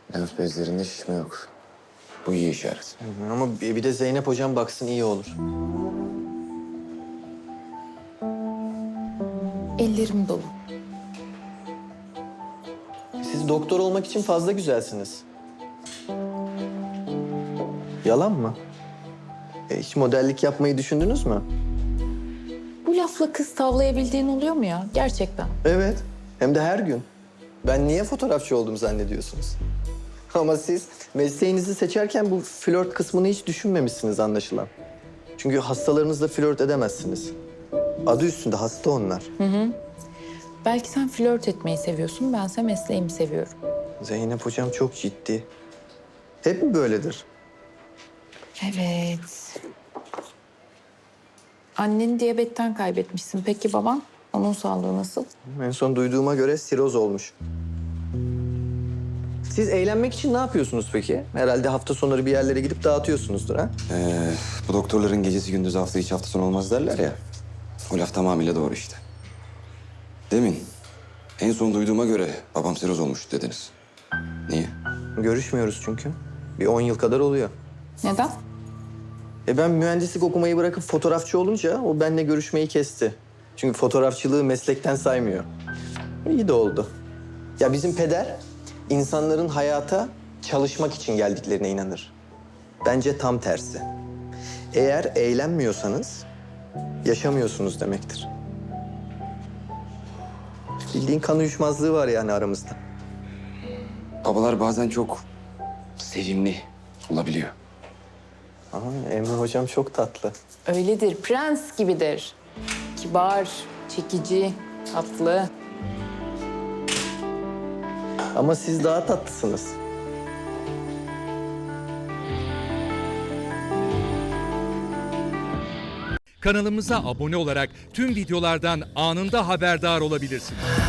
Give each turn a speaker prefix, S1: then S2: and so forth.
S1: Lenf bezlerinde şişme yok. Bu iyi işaret.
S2: Ama bir de Zeynep hocam baksın iyi olur.
S3: Ellerim dolu.
S2: Siz doktor olmak için fazla güzelsiniz. Yalan mı? Hiç modellik yapmayı düşündünüz mü?
S3: Bu lafla kız tavlayabildiğin oluyor mu ya? Gerçekten.
S2: Evet. Hem de her gün. Ben niye fotoğrafçı oldum zannediyorsunuz? Ama siz mesleğinizi seçerken bu flört kısmını hiç düşünmemişsiniz anlaşılan. Çünkü hastalarınızla flört edemezsiniz. Adı üstünde hasta onlar.
S3: Belki sen flört etmeyi seviyorsun, bense mesleğimi seviyorum.
S2: Zeynep hocam çok ciddi. Hep mi böyledir?
S3: Evet. Anneni diyabetten kaybetmişsin. Peki baban? Onun sağlığı nasıl?
S2: En son duyduğuma göre siroz olmuş. Siz eğlenmek için ne yapıyorsunuz peki? Herhalde hafta sonları bir yerlere gidip dağıtıyorsunuzdur ha?
S1: Bu doktorların gecesi gündüz hafta içi hafta sonu olmaz derler ya. O laf tamamıyla doğru işte. Demin en son duyduğuma göre babam siroz olmuş dediniz. Niye?
S2: Görüşmüyoruz çünkü. Bir 10 yıl kadar oluyor.
S3: Neden?
S2: Ben mühendislik okumayı bırakıp fotoğrafçı olunca o benimle görüşmeyi kesti. Çünkü fotoğrafçılığı meslekten saymıyor. İyi de oldu. Ya bizim peder insanların hayata çalışmak için geldiklerine inanır. Bence tam tersi. Eğer eğlenmiyorsanız yaşamıyorsunuz demektir. Bildiğin kan uyuşmazlığı var yani aramızda.
S1: Babalar bazen çok sevimli olabiliyor.
S2: Ama Emre hocam çok tatlı.
S3: Öyledir, prens gibidir. Kibar, çekici, tatlı.
S2: Ama siz daha tatlısınız.
S4: Kanalımıza abone olarak tüm videolardan anında haberdar olabilirsiniz.